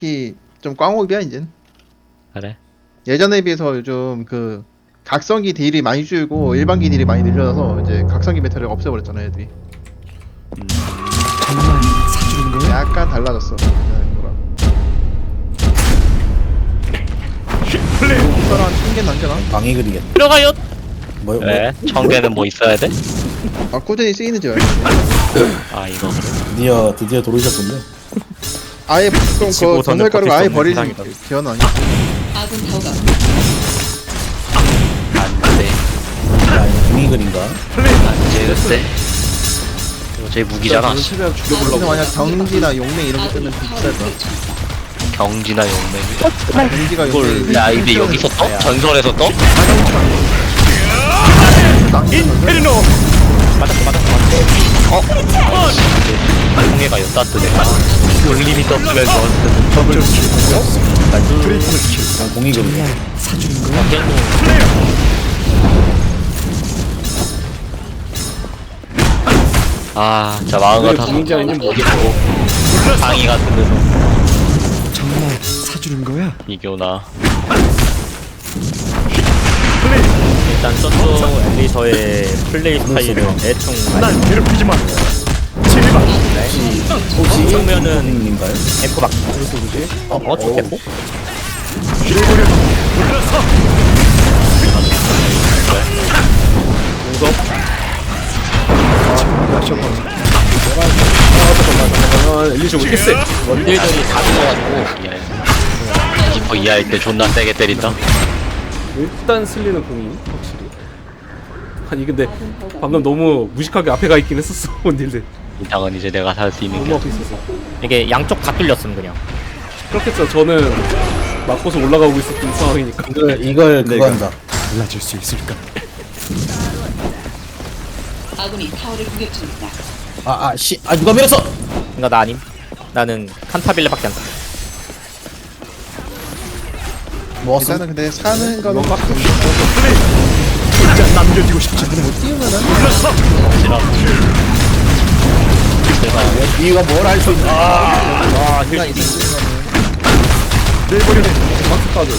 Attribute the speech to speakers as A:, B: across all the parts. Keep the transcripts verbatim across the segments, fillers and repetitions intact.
A: 특히 좀 꽝옥이야 이젠.
B: 그래?
A: 예전에 비해서 요즘 그 각성기 딜이 많이 줄고 일반기 딜이 많이 늘려서 이제 각성기 메타를 없애버렸잖아 애들이.
C: 정말 사주는 거야?
A: 약간 달라졌어. 그냥 거랑. 이거랑 한 개 남겨놔.
D: 방해 그리겠.
B: 들어가요!
D: 뭐, 뭐
B: 왜? 청개는 뭐 있어야 돼?
A: 아 꾸준히 쓰이는지 알지.
B: 아 이거 그래?
D: 드디어 드디어 들어오셨군요.
A: 아예 보통 그
E: 지구호선은
A: 전설가루 아예
E: 버틸 수
A: 버리는
E: 없는 세상이다.
A: 기원 아니야?
F: 아군 타워가
B: 안돼
D: 아, 이거 방해 그린가?
B: 안돼 글쎄 이거 제 무기잖아.
E: 최대한
A: 근데
E: 죽여보려고.
A: 만약 경지나 용맹 이런 거
F: 아군
A: 뜨면
F: 타워를
A: 비쌀 거야.
F: 펼쳤습니다.
B: 경지나 용맹
A: 아, 경지가
B: 이걸
A: 용맹.
B: 야 이게 여기서 떠? 전설에서 떠?
E: 인페르노. 맞았어 맞았어 맞았어.
B: 어? 홍해가 엿다 뜨네. 돌림이 떴으면 좋았을
E: 더블 킬. 트리플 킬.
D: 그냥 방해 그리겠.
C: 사주는 거야?
B: 아, 진짜 마음
E: 왜
B: 같아서
E: 공인지 아니면 뭐
B: 어디고 방이 같은 데서
C: 정말 사주는 거야?
B: 이겨나.
G: 일단 저쪽 엘리서의 플레이 스타일은 대충
E: 난 괴롭히지 마. 제발.
D: 혹시
G: 보면은
D: 님인가요?
G: 엠프 막 어? 어? 저 엠프?
E: 길고려. 물러서. 아 잠깐만. 엘리쇼 왜 이렇게 세?
B: 원딜들이 다 죽어가지고 이하에 지퍼 이하일 때 존나 세게 때린다.
E: 일단 슬리는 공이 확실히. 아니 근데 방금 너무 무식하게 앞에 가 있긴 했었어 원딜들.
B: 이상은 이제 내가 살 수 있는
E: 너무
B: 게
E: 앞에 있었어.
G: 이게 양쪽 다 뚫렸음 그냥.
E: 그렇겠죠. 저는 맞고서 올라가고 있었던 상황이니까.
D: 이걸 이걸 그거 한다.
C: 달라질 수 있을까?
F: 아군이 타워를 공격 중입니다.
D: 아, 아, 씨, 아 누가 밀었어?
G: 그니까 나 아님. 나는 칸타빌레밖에 안 써.
D: 먹었어.
A: 일단은 근데 사는 거는
E: 진짜 남겨지고 싶지.
D: 이유가 뭘 알 수 있나?
G: 아, 힐.
E: 내버려. 막스 빠져.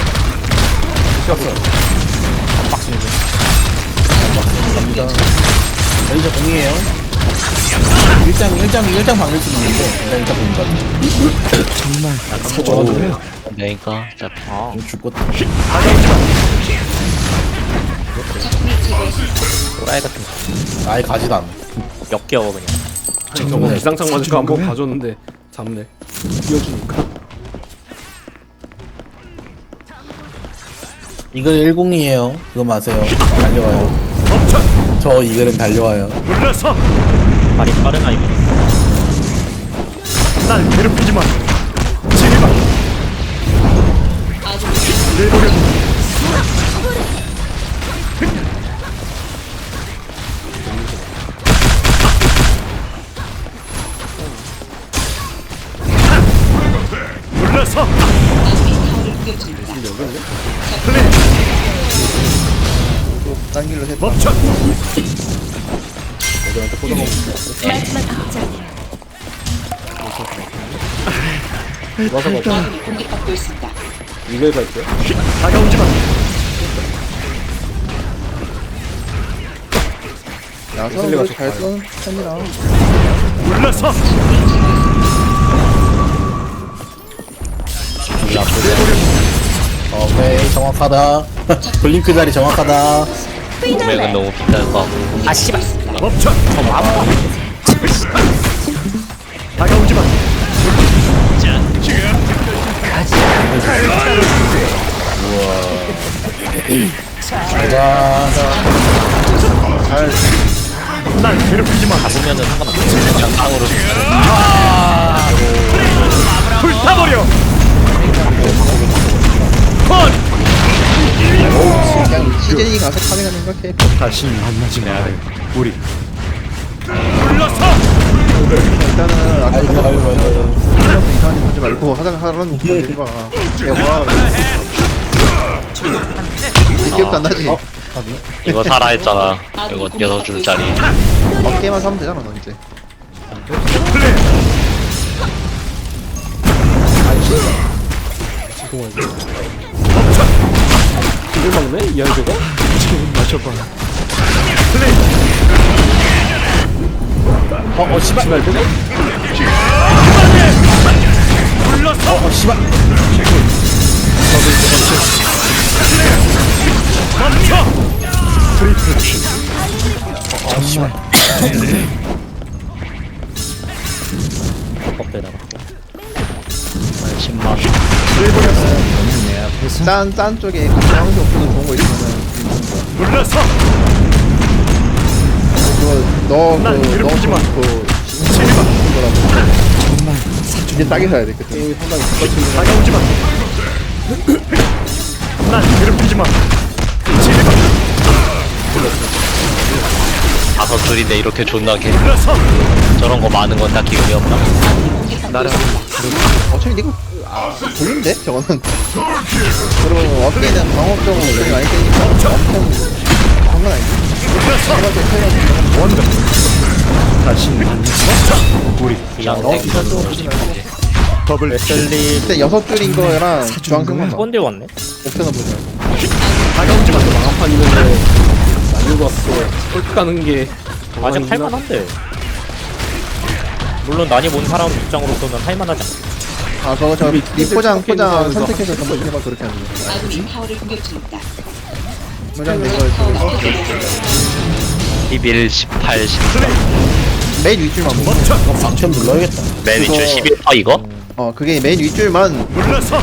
D: 여기서 공이에요. 일장 일장 일장 방일 수 있는데 일단 일장 공가.
C: 정말
D: 어,
C: 사주는 거야?
B: 그러니까 진짜
G: 아,
D: 죽고
G: 또라이 같은 거.
D: 아예 가지도 않아.
G: 역겨워 그냥.
E: 아니, 저거 기상창 맞을까 한번 봐줬는데 잡네. 뛰어주니까.
D: 이글 일공이에요. 그거 마세요. 달려와요. 저 이글은 달려와요.
E: 물러서.
G: 발이 빠르나 이거.
E: 날 괴롭히지 마. 제발.
F: 아군이
E: 내버려. 물러서.
F: 아군이 타워를 공격 중입니다.
A: 딴 길로 해.
E: 멈춰.
F: 아군이 공격받고 있습니다.
E: 이걸 갈게요. 다가오지 마.
A: 야선을 잘 쏘는 편이라.
E: 물러서.
D: 오케이 정확하다. 블링크 자리 정확하다.
B: 금액은 너무 비쌀 거 같고.
G: 아 씨발.
E: 멈춰. 다가오지 마.
D: 가자.
E: 날 괴롭히지 마.
G: 잡으면은 상관없어.
B: 그냥 땅으로
E: 불타버려. 컷.
A: 그냥 시즌이 가서 파밍하는 거 케이프.
C: 다시 만나지 말아요. 우리
E: 불러서.
A: 일단은 아까
D: 아이고 아이고 아이고.
A: 사람도 이상한 일 하지 말고 하다가 하라는 거 보지 마. 야 와. 기억도 안 나지?
B: 이거 사라 했잖아. 이거 여섯 줄짜리.
A: 어깨만 사면 되잖아 너 이제.
E: 플레이.
A: 아니
E: 통하지. 이걸 막네? 이 한조가?
C: 지금 마셔봐.
D: 어, 어, 씨발.
E: 지날 때네?
D: 어, 어, 씨발.
C: 트리플 킬.
D: 어, 씨발.
G: 껍데다가
B: 십만
A: 짠, 짠 쪽에 주황색 옵션은 좋은 거 있으면은
C: 물러서.
A: 그거 너
C: 난
A: 그
C: 괴롭히지 마.
A: 그
C: 제리마.
A: 거라고
C: 정말
A: 이게 싸게 사야 돼 그때.
E: 게임이 상당히 똑같은
C: 다가오지 마. 난 괴롭히지 마. 제리마.
B: 다섯 줄인데 이렇게 존나 개
C: 물러서.
B: 저런 거 많은 건 딱히 의미 없나?
A: 나랑 어차피 이거 돌린데 저거는. 그리고 어깨는 방어적으로 되게 많이 때니까 엄청 그런 건 아니지.
C: 원더. 다시 만나서 우리
B: 그냥
A: 어,
B: 땡기는
A: 이거
B: 거
A: 보지 말고.
C: 더블
G: 웨슬리
A: 그때 여섯 줄인 거랑 주황색만 봐.
G: 꼰대 왔네.
A: 옵션은 보지 말고.
C: 다가오지 마.
E: 망한판이면은 난이도 왔어. 꼴 가는 게
G: 아직 할만한데. 물론 난이 본 사람 입장으로서는 할만하지 않아.
A: 아 그거 저 리포장 포장
E: 하면서
A: 선택해서 전부 해봐 그렇게 하는 거.
F: 아군이 타워를 공격 중입니다.
A: 포장 된거 있고
B: 십일, 십팔, 십사
A: 메인 윗줄만 보고.
D: 이거 방천 눌러야겠다.
B: 맨 위줄
A: 그거-
B: 십일 퍼 이거?
A: 어 그게 메인 윗줄만
C: 물러서.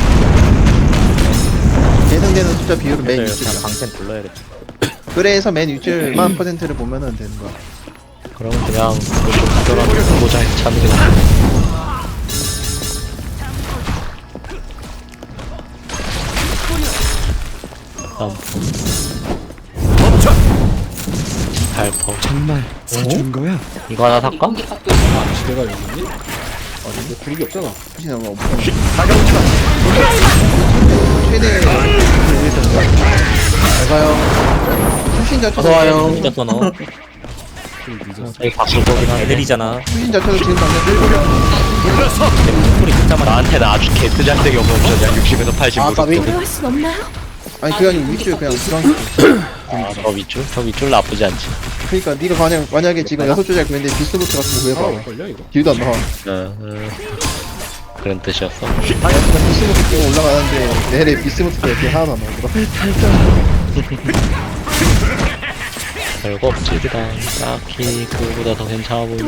A: 계승되는 숫자 비율은 메인
G: 그래서
A: 윗줄.
G: 그냥 방템 불러야겠다.
A: 그래서 맨 윗줄만 퍼센트를 보면은 되는 거야.
B: 그럼 그냥 그거 좀 가져라 보자 참는 게 나아. 다음
C: 멈춰.
B: 십팔 퍼
C: 정말 사주는 거야?
B: 이거 하나
F: 아군이
B: 살까?
F: 공격받고 있습니다.
E: 지대가 여기 있니? 아 근데 구르기 없잖아.
A: 혹시 너무 없어.
C: 다가오지 마.
A: 최대 잘 가요. 출신 자체도
D: 어서와요.
G: 늦었어 너.
B: 이거 바꿀 거긴 한데
G: 애들이잖아.
A: 출신 자체도 지금 당장 끌고
C: 물러서.
G: 소리 듣자마자
B: 나한테는 아주 개뜨장되게 없는 옵션이야. 육십에서 팔십
D: 아, 까비.
A: 아니 그게 아니고 윗줄 그냥 주황색.
B: 아, 저 윗줄? 저 윗줄 나쁘지 않지.
A: 그러니까 네가 만약 만약에 지금 여섯 줄짜리 구했는데 비스부트 같은 거
E: 아
A: 구해봐.
E: 걸려 이거.
A: 뒤도 안 나와.
B: 어, 어. 그런 뜻이었어.
A: 그냥 비스부트 끼고 올라가는데 내래 비스부트가 이렇게 하나도 안 나오더라.
B: 별거 없지, 일단. 딱히 그거보다 더 괜찮아 보이고.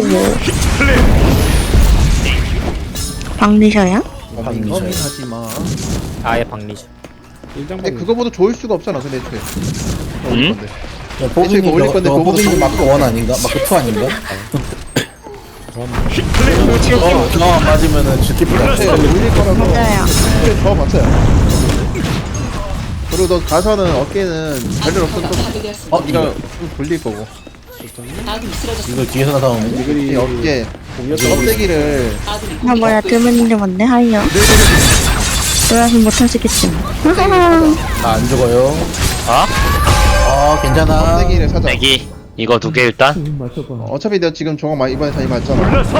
H: 박리셔야?
A: 고민 하지 마.
G: 아예 박리죠.
E: 일장
A: 근데 그거보다 좋을 수가 없잖아. 근데 애초에.
B: 응?
A: 건데.
D: 야, 보빈이
A: 올릴
D: 너,
A: 건데
D: 너
A: 그거보다
D: 보빈이
A: 좋은
D: 마크 원 아닌가? 마크 투 아닌가? 어, 어 맞으면은 주티프다.
A: 네, 올릴 거라서
H: 맞아요.
A: 그래 더 맞아요. 그리고 너 가서는 어깨는 별일 없어도
F: 타워가 파괴되었습니다.
A: 어 네가 좀 돌릴 거고
F: 아군이 쓰러졌습니다.
D: 이거 뒤에서 나타오는데?
A: 이 어깨 껍데기를
F: 아군이
H: 아 뭐야
F: 공격받고
H: 드문인데 뭔데 하이요. 놀아서 못하시겠지 뭐.
D: 나 안 죽어요.
B: 아?
D: 어 괜찮아.
A: 껍데기를 사자.
B: 내기. 이거 두 개 일단.
A: 어, 어차피 내가 지금 저거 많이 이번에 많이 맞잖아.
C: 물러서.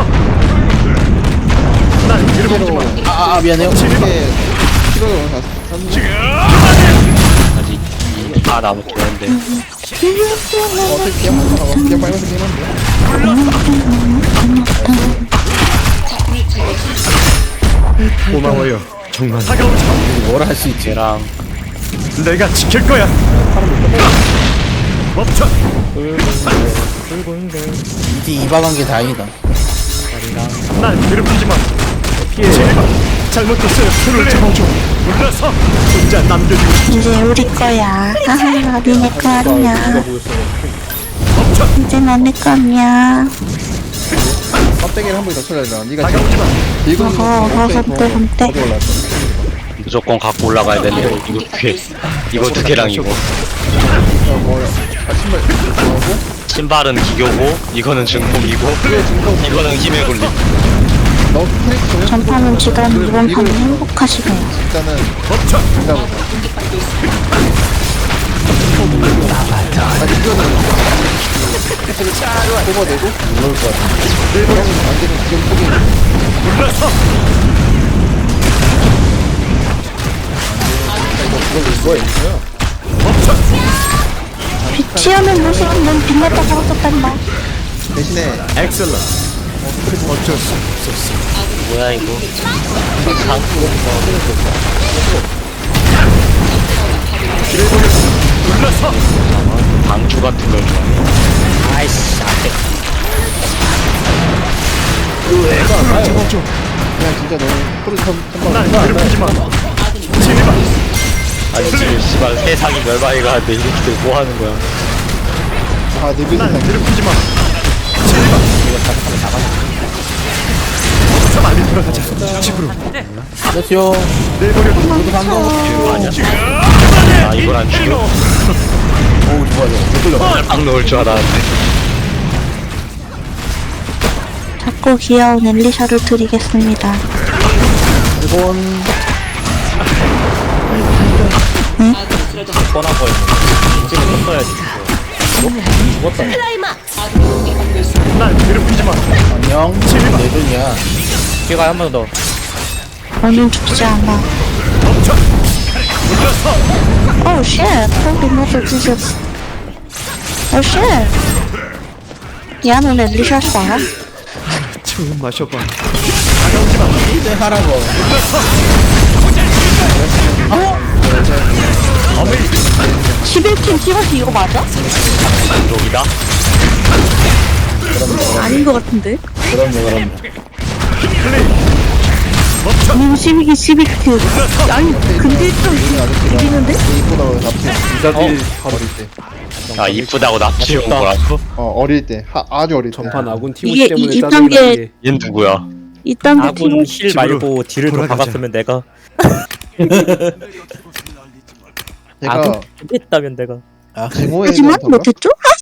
C: 난 괴롭히지 마.
A: 실제로
D: 아, 아 미안해요.
A: 이게 키로로 다 샀는데
B: 아직 다 남았긴 한데.
A: 어떻게 게임하는 거야? 그냥 빨면서 게임하면 돼.
F: 적군을 제거했습니다.
C: 고마워요. 정말
D: 우리 뭘 할 수 있지?
B: 걔랑
C: 내가 지킬 거야. 멈춰.
D: 이디 이박한 게 다행이다.
C: 난 괴롭히지 마. 피해. 제발. 잘못했어요. 손을 잡아줘. 물러서. 혼자 남겨주고 싶지.
H: 이제 우리 거야. 하하 니네 거 아니야.
C: 멈춰.
H: 이제 너네 거 아니야.
A: 껍데기를 한 번 더 쳐야 되잖아. 네가
C: 다가오지 마.
A: 들고 있는
H: 어허 어허
A: 거
H: hom대 홈대.
B: 무조건 갖고 올라가야 되네. 이거 두 개. 이거 두 개랑 이거.
A: 뭐 아, 신발 뭐고?
B: 신발은 기교고, 이거는 증폭이고, 이거는 힘의 굴림.
A: 너 트릭 정해.
H: 전파는 지금 이번 판은 행복하시네요.
A: 일단은
C: 멈춰.
A: 일단
F: 공격받고 있습니다.
A: 아 이거는 뽑아내고
D: 놀 것 같아.
A: 일본은 안 되면 지금 포기.
C: 물러서.
H: 빛이하는 모습은 넌 빛났다고 썼단다.
A: 대신에
C: 엑셀런. 어쩔 수 없었어.
B: 뭐야 이거
C: 불러서
B: 방주 같은 걸 좋아해.
G: 아이씨 안돼.
C: 잡아줘.
A: 그냥 진짜 너무 프로 선
C: 날
A: 선방.
C: 괴롭히지 마. 제발.
B: 아니 지금 씨발 세상이 멸망이 가는데 이렇게 뭐 하는 거야.
A: 아 늙은
C: 날
A: 세상.
C: 괴롭히지 마. 제발. 자, 빨리 들어가자. 집으로.
D: 그렇죠.
C: 내버려.
D: 모두 반가워.
B: 아 이걸 안 죽여?
D: 오, 좋아, 좋아. 못 끌려.
B: 딱 넣을 줄 알았는데.
H: 작고 귀여운 엘리샤를 드리겠습니다.
D: 일본.
G: 뻔한 거였는데 인증을 썼어야지. 죽었다.
C: 날 괴롭히지 마.
D: 안녕. 내 돈이야.
G: 기회가 한 번 더.
H: 너는 죽지 않아.
C: 멈춰. 불러서
H: Oh shit! Holy mother Jesus. Oh shit! 야, 넌 엘리샤였어.
C: 처음 마셔봐.
D: 이제 하라고.
H: 십일 팀 찍어서 이거 맞아?
B: 여기다.
H: 아닌 것 같은데?
D: 그럼요, 그럼요.
H: 님 십이 기 십이 킬. 아니, 근데 좀 이기는데?
A: 이쁘다고 납치.
E: 이자들
A: 어릴 때.
B: 아 이쁘다고 납치온
G: 아쉽다.
B: 거라고?
A: 어 어릴 때. 하, 아주 어릴 때.
E: 전판 아군
H: 이게
E: 티모시 때문에
H: 이- 이
E: 짜증이
H: 단계-
E: 나게.
B: 얜 누구야?
H: 이딴 데
G: 아군
H: 팀
G: 힐
C: 집으로
G: 말고 딜을 더
C: 돌아가자.
G: 박았으면 내가
A: 제가
G: 아군 했다면 내가
D: 아,
A: 증오에
H: 하지만
A: 대한 건가?
H: 못했죠?